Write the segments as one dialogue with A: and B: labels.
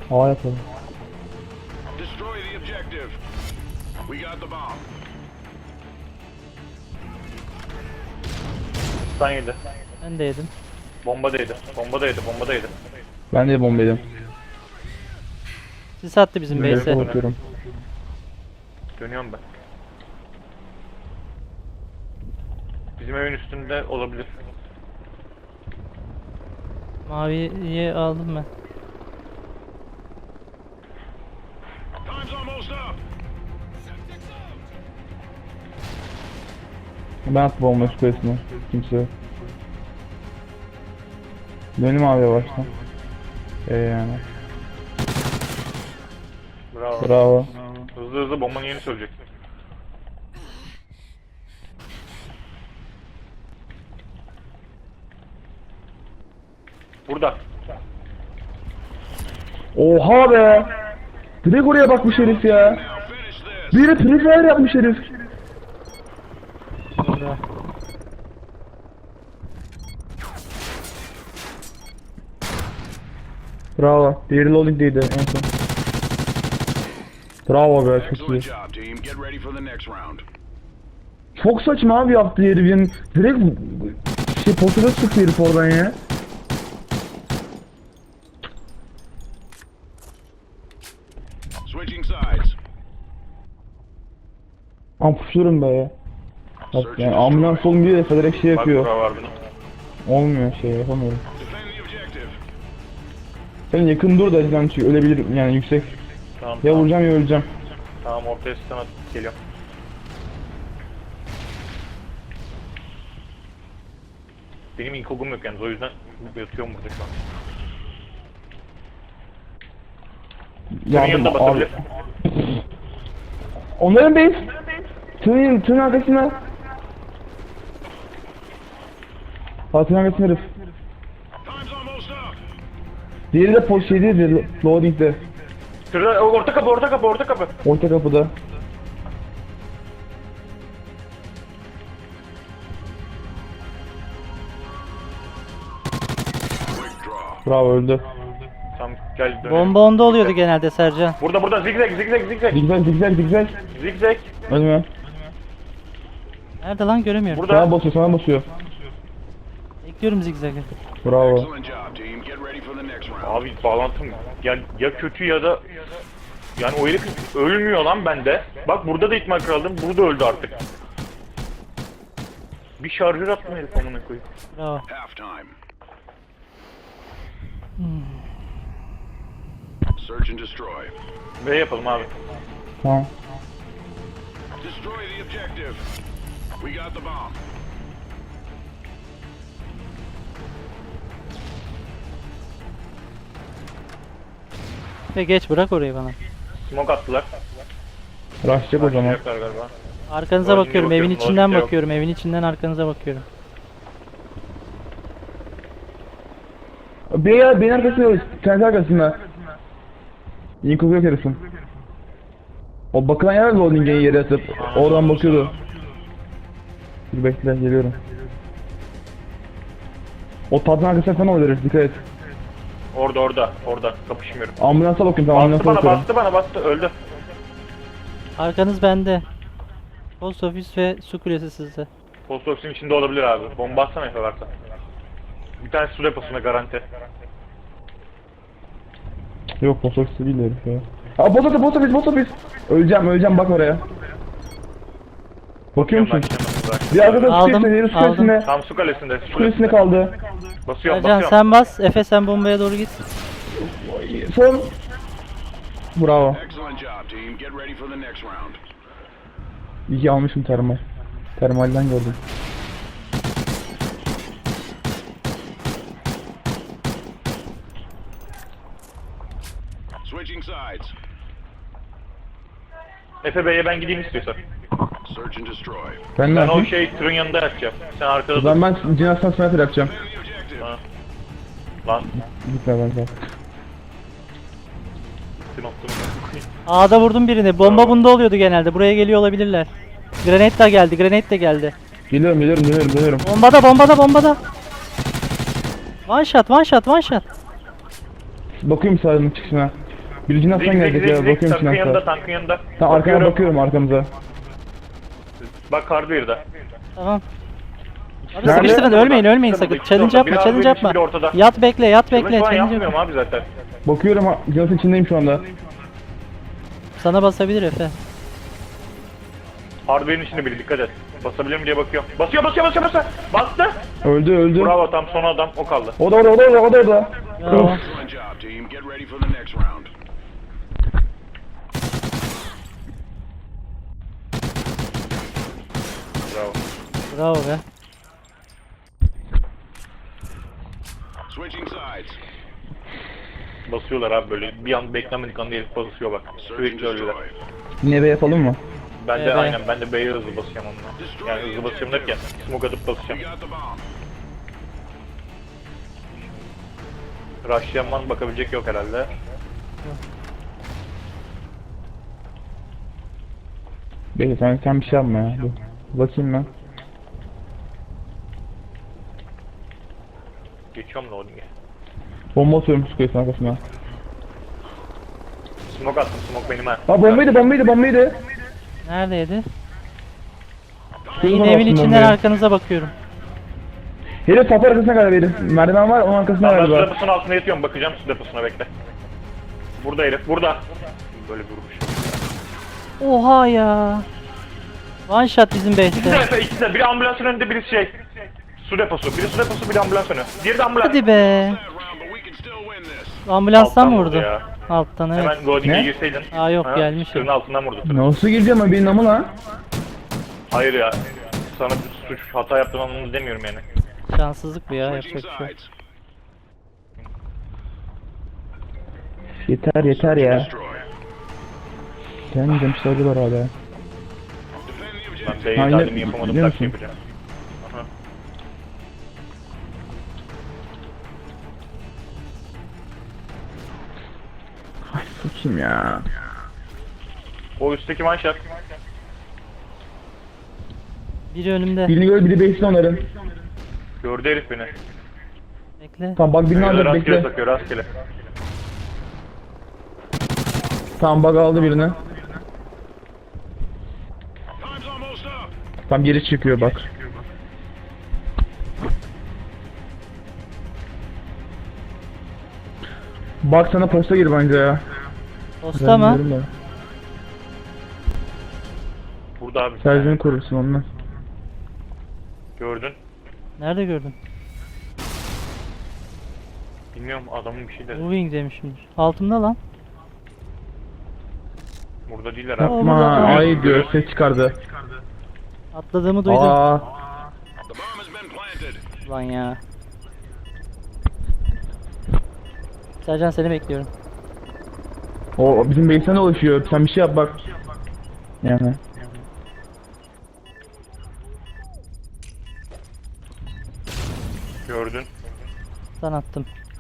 A: A yapalım.
B: Destroy the objective. We got the bomb.
C: Stun yedi.
D: Ben de yedim.
C: Bombadaydı. Bombadaydı. Bombadaydı.
A: Ben de bomba yedim.
D: Sis attı bizim
A: Böyle
D: base'e.
A: bakıyorum.
C: Dönüyorum ben. Bizim evin üstünde olabilir.
D: Maviyi aldım ben.
B: Time's almost up.
A: Ben attım bomba şu kulesine. Kimse yok. Benim abi yavaştan. Yani.
C: Bravo.
A: Bravo.
C: Hızlı hızlı bombanın yerini söyleyecek. Burada.
A: Oha be! Direkt oraya bakmış herif ya.
B: Now finish this.
A: Biri prefire yapmış herif.
D: Burada.
A: Bravo. Diğeri loading'deydi en son. Bravo be, çok iyi.
B: Excellent job, team. Get ready for the next round.
A: Çok saçma abi yaptı herif yani. Direkt potaya sıktı herif oradan ya.
B: Switching sides.
A: Ampuşluyorum be ya. Bak yani ambulans olmuyor da direkt şey
C: Bak
A: yapıyor.
C: bura var bunun.
A: Olmuyor şey yapamıyorum.
B: Defend the objective.
A: Sen yakın dur da yani çünkü ölebilir yani yüksek.
C: Tamam,
A: Ya
C: tamam.
A: vuracağım ya öleceğim.
C: Tamam, ortaya stun atıp geliyorum. Benim inkogum yok yalnız, o yüzden yatıyorum burada şu an. Senin yanında basabilir.
A: Onların base. Tığın arkasına. Tığın arkasına herif.
B: Time's almost up.
A: Diğeri de post şeydi, loading'de.
C: Şurada orta kapı, orta kapı, orta kapı.
A: Orta kapıda.
B: Quick draw.
A: Bravo öldü.
C: Tamam, gel dönelim.
D: Bomba onda oluyordu genelde Sercan.
C: Burada zigzag, zigzag, zigzag.
A: Zigzag zigzag zigzag.
C: Zigzag.
A: Ölme.
D: Nerede lan göremiyorum.
C: Burada.
A: Sana basıyor.
D: Bekliyorum zigzag'ı.
A: Bravo.
B: Excellent job, team. Get ready for the next round.
C: Abi bağlantım ya kötü ya da yani o herif ölmüyor lan bende. Bak burada da ihtimal kraldım. Burada öldü artık. Bir şarjör atma herif amına koyayım.
D: Bravo.
B: Half time. Search and destroy.
C: V yapalım abi.
A: Tamam.
B: Destroy the objective. We got the bomb.
D: Ve geç bırak orayı bana.
C: Smoke attılar.
A: Rushlayacak o zaman.
C: Yapacaklar galiba.
D: Arkanıza
C: Loading'e
D: bakıyorum, evin
C: bakıyorum,
D: içinden
C: loading'de yok.
D: bakıyorum, evin içinden arkanıza bakıyorum.
A: Beyin arkasında, kendi arkasında. Inkog yok herifin. O bakılan yer loading'e yere atıp oradan bakıyordu. Dur bekle geliyorum. O tadın arkasına falan oluyor herif, dikkat et.
C: Orada kapışmıyorum.
A: Ambulansa bakıyorum, tamam ambulansa bakıyorum.
C: Bastı öldü.
D: Arkanız bende. Post ofis ve su kulesi sizde.
C: Post office'in içinde olabilir abi. Bomba atsana Efe varsa. Bir tane su deposuna garanti.
A: Yok post ofisi değil herif ya. Aa post ofis. Öleceğim bak oraya. Bakıyor musun? Bir arkada
D: Aldım,
A: su kulesine, su
D: aldım.
A: kulesine.
C: Tam su kalesinde.
A: Su kulesine kaldı.
C: Basıyorum.
D: Sercan sen bas, Efe sen bombaya doğru git.
A: Son. Bravo.
B: Excellent job, team. Get ready for the next round.
A: İyi ki almışım termal. Termalden gördüm.
B: Switching sides.
C: Efe Bey'e ben gideyim istiyorsan.
B: Search and destroy.
A: Ben ne
C: Ben o
A: yapayım?
C: tırın yanında yatacağım. Sen arkada
A: O
C: dur.
A: zaman ben cinastan sniper yapacağım.
B: Defend the objective.
C: Ha. Lan.
A: Gitme ben zaten.
D: A'da vurdum birini. Bomba bunda oluyordu genelde. Buraya geliyor olabilirler. Granate de geldi.
A: Geliyorum.
D: Bombada. One shot.
A: Bakıyorum sağının çıkışına. Biri Cinas'tan gelecek ya, bakıyorum
C: tankın yanında,
A: Cinas'ta.
C: tankın yanında.
A: Tamam arkana bakıyorum arkamıza.
C: Bak Hardware'da.
D: Tamam. Abi
A: Nerede?
D: sıkıştırın, ölmeyin
C: İkisi
D: sakın.
C: orada,
D: Challenge yapma,
C: biri
D: challenge
C: Hardware'in,
D: yapma.
C: biri ortada.
D: Yat bekle, yat bekle.
C: Challenge falan
D: Challenge
C: yapmıyorum
D: yapma.
C: abi zaten.
A: Bakıyorum Cinas'ın içindeyim şu anda.
D: Sana basabilir Efe.
C: Hardware'in içinde biri, dikkat et. Basabilir mi diye bakıyorum. Basıyor. Bastı.
A: Öldü.
C: Bravo, tam son adam o kaldı.
A: O da orada.
D: Bravo.
B: Excellent job, team. Get ready for the next round.
C: Bravo.
D: Bravo be.
B: Switching sides.
C: Basıyorlar abi böyle. Bir an beklenmedik anda herif basıyor bak.
B: Search and
C: Sürekli öyleler.
B: destroy.
A: Yine B yapalım mı?
C: Ben de
D: Evet.
C: aynen, ben de B'ye hızlı basacağım onunla. Yani hızlı basacağım derken smoke atıp basacağım.
B: We got the bomb.
C: Rush'layan var, bakabilecek yok herhalde.
A: Bekle sen bir şey yapma ya. Dur. Bakayım ben.
C: Geçiyorum loading'e.
A: Bomba atıyorum Square'ın arkasına.
C: Smoke attım, smoke benim ha.
A: Ha bombaydı.
D: Neredeydi?
A: Square'ın
D: Yine evin
A: arkasından
D: içinden
A: bombayı.
D: arkanıza bakıyorum.
A: Herif kapı arkasına kadar herif. Merdiven var onun arkasına
C: Ben su
A: galiba.
C: deposunun altına yatıyorum, bakacağım su deposuna, bekle. Burada herif, burada. Böyle bir vuruş.
D: Oha ya. One shot bizim
C: İkisi de
D: base'te.
C: Efe, ikisi de. Biri ambulansın önünde, biri şey. Su deposu. Biri su deposu, biri ambulans önü. Diğeri de ambulans.
D: Hadi be.
B: That round, but we can still win this.
D: Ambulanstan
C: Alttan
D: mı
C: vurdu
D: vurdu?
C: ya.
D: Alttan evet.
C: Hemen loading'e
A: Ne?
C: girseydin.
D: Aa, yok, gelmiş.
C: Tırın altından vurdu tırı.
A: Nasıl gireceğim abi benim ama lan?
C: Hayır ya. Sana bir suç, hata yaptığın anlamında demiyorum yani.
D: Şanssızlık bu ya,
B: Switching
D: yapacak bir şey yok.
B: sides.
A: Yeter ya.
B: Destroy.
A: Gelmeyeceğim sarılar hala.
B: Defend the
C: Ben
B: objective.
C: B'ye
A: Aynen,
C: talimi yapamadım,
A: biliyor
C: taktiği
A: musun?
C: yapacağım. Aha.
A: Ay sıçayım ya.
C: O üstteki one shot.
D: Biri önümde.
A: Birini gör biri base'de onların.
C: Gördü herif beni.
D: Bekle.
A: Tamam bak birini alacak
C: Rastgele
A: bekle.
C: takıyor, rastgele.
A: Tamam bug aldı birini.
B: Time's almost up.
A: Tam geri çıkıyor bak. Bak sana posta gir bence ya.
D: Posta mı?
A: Bilmiyorum da.
C: Burada abi.
A: Sercan'ı korursun onunla.
C: Gördün.
D: Nerede gördün?
C: Bilmiyorum, adamın bir şey dedi.
D: Moving demişimdir. Altımda lan.
C: Burada değiller abi.
A: Yapma ay diyor ses çıkardı.
D: Atladığımı duydum.
A: Aa,
B: The bomb has been planted.
D: Lan ya. Sercan seni bekliyorum.
A: o bizim base'den dolaşıyor. Sen bir şey yap bak. Yani.
C: Gördün.
D: Sen attım.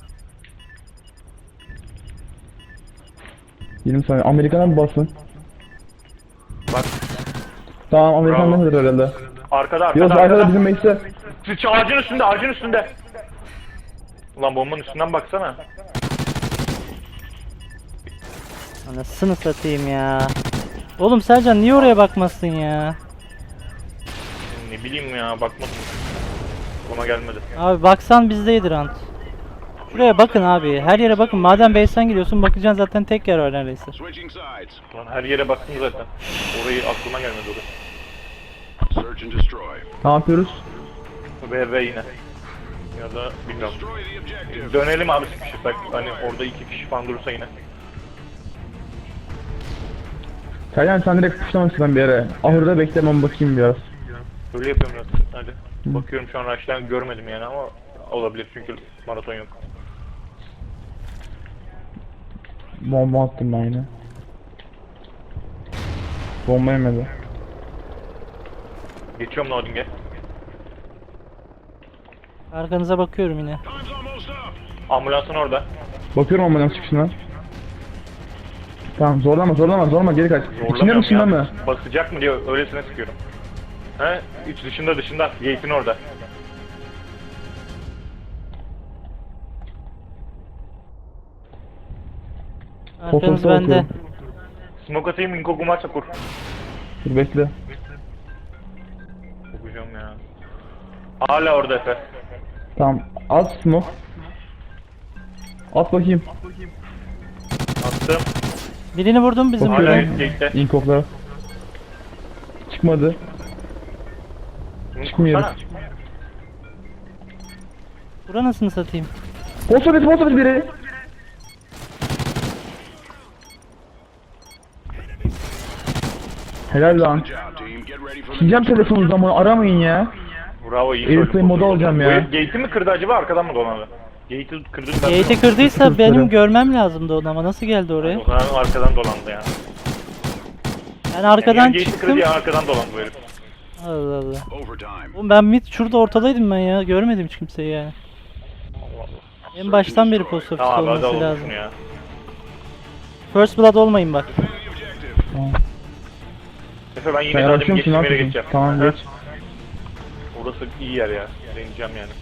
A: 20 saniye. Amerikan'a mı basın?
C: Bak.
A: Tamam Amerikan'da
C: Bravo.
A: mıdır herhalde?
C: Arkada,
A: Yok
C: arkada,
A: arkada
C: arkada.
A: bizim base'de.
C: Ağacın üstünde, ağacın üstünde. Ulan bombanın üstünden baksana.
D: Anasını satayım ya. Oğlum Sercan niye oraya bakmazsın ya?
C: Ne bileyim ya, bakmadım. Ona gelmedi.
D: Abi baksan bizdeydi rant. Şuraya bakın abi. Her yere bakın. Madem base'ten gidiyorsun bakacaksın, zaten tek yer var neredeyse.
B: Switching sides.
C: Lan her yere baktım zaten. Orayı aklıma gelmedi orası.
B: Search and destroy.
A: Ne yapıyoruz?
C: Ve yine. Ya da bilmiyorum.
B: Destroy the objective.
C: Dönelim abi sıkışırsak. Hani orada 2 kişi falan durursa yine.
A: Sercan sen direkt kuşlamasın bir yere. Ahırda beklemem bakayım biraz.
C: Öyle yapıyorum ya. Hadi. Bakıyorum şu an Rush'tan görmedim yani ama olabilir çünkü maraton yok.
A: Bomba attım ben yine. Bomba yemedi.
C: Geçiyorum loading'e.
D: Arkanıza bakıyorum yine.
B: Time's almost up.
C: Ambulansın orada.
A: Bakıyorum ambulans çıkışına. Tamam zorlama geri kaç. İçinde mi
C: Zorlamıyorum
A: dışında
C: ya.
A: mı?
C: Basacak mı diye öylesine sıkıyorum. He? İç dışında. Gate'in orada.
D: Arkanız
A: Fotoğrafa
D: bende.
A: bakıyorum.
C: Smoke atayım, Inkogu maçla kur.
A: Dur bekle.
C: Kokacağım ya. Hala orada Efe.
A: Tamam. At smoke. At bakayım.
C: Attım.
D: Birini vurdum bizim
C: Hala
D: buradan.
C: gate'de.
A: İnkoklara. Çıkmadı. Çıkmıyoruz.
C: Kursana.
D: Bura nasıl satayım?
A: Posta biri. Helal lan.
B: Good job, team. Get ready for the
A: Sileceğim telefonu zamanı aramayın ya.
C: Bravo, iyi
A: Airplane
C: söyledin.
A: modu alacağım ya.
C: Bu herif gate'i mi kırdı acaba, arkadan mı dolandı? Gate'i kırdı.
D: Gate'i kırdıysa
A: Kırk
D: benim
A: lira.
D: görmem lazımdı onu ama nasıl geldi oraya?
C: O zaman arkadan dolandı yani.
D: Ben arkadan
C: Yani gate'i kırdı
D: çıktım.
C: ya, arkadan dolandı bu herif.
D: Allah Allah.
B: overtime.
D: Oğlum ben mid şurada ortadaydım ben ya. Görmedim hiç kimseyi yani. En baştan beri post office
C: Tamam abi, hadi
D: olması
C: alalım
D: lazım.
C: şunu ya.
D: First blood olmayın bak.
B: Defend the objective.
C: Efe ben yine
A: Sen
C: zaten
A: yavaşlıyor musun?
C: geçtiğim
A: Ne
C: yere
A: yapıyorsun?
C: geçeceğim.
A: Tamam
C: Hı.
A: geç.
C: Orası iyi yer ya. Deneyeceğim yani.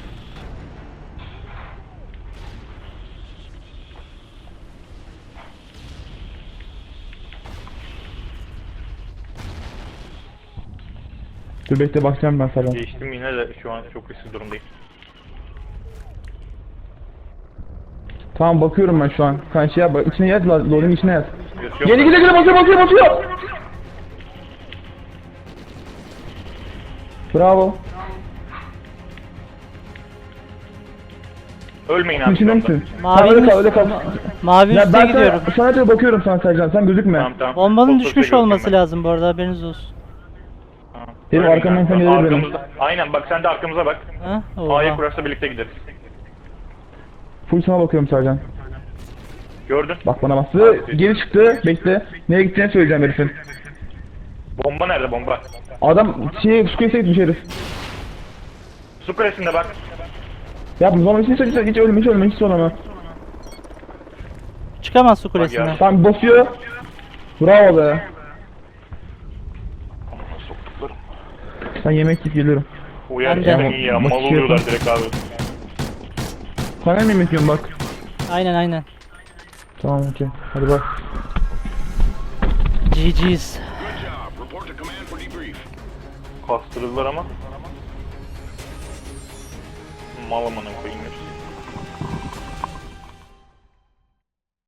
A: Dur bekle bakacağım ben sana.
C: Geçtim yine de şu an çok riskli durumdayım.
A: Tamam bakıyorum ben şu an. Sen şey yap, içine yaz, loading içine yaz.
C: Yatıyorum
A: Geri
C: ben.
A: gide basıyor. Bravo.
C: Ölmeyin
A: Şunun
C: abi.
A: içinde
C: şu anda.
A: misin?
D: Mavi
A: Tamam, öyle
D: mi?
A: kal, öyle kal.
D: Mavi
A: Ya
D: üste
A: ben
D: gidiyorum.
A: sana da bakıyorum sana Sercan, sen gözükme.
C: Tamam tamam.
D: Bombanın
C: Post
D: düşmüş
C: office'e
D: olması
C: görüşeyim
D: lazım bu arada, haberiniz olsun.
C: ben. Tamam.
A: Benim
C: Ölmeyin
A: arkamdan
C: abi.
A: sen gelir benim.
C: Arkamızda- Aynen bak, sen de arkamıza bak.
D: Ha?
C: A'ya
D: Oha.
C: kurarsa birlikte gideriz.
A: Full sana bakıyorum Sercan.
C: Gördün.
A: Bak bana bastı. Geri çıktı. Bekle. Nereye gideceğini söyleyeceğim herifin.
C: Bomba nerede bomba?
A: Adam su kuyusuna gitmiş herif.
C: Su kulesinde bak.
A: Ya bu zaman hiç ölme hiç sorma.
D: Çıkamaz su kulesinden.
C: ya.
A: Tamam basıyor. Bravo be.
C: Soktuklarım.
A: Ben yemek yiyip geliyorum.
C: Bu yer
D: Ben de.
C: cidden iyi ya. Mal
A: Bakıyorum.
C: oluyorlar direkt abi.
A: Sana mı yemek yiyorum bak.
D: Aynen.
A: Tamam okey. Hadi bak.
D: GG's.
B: Good job. Report to command for debrief.
C: Kastırdılar ama. Mal amına koyayım hepsi.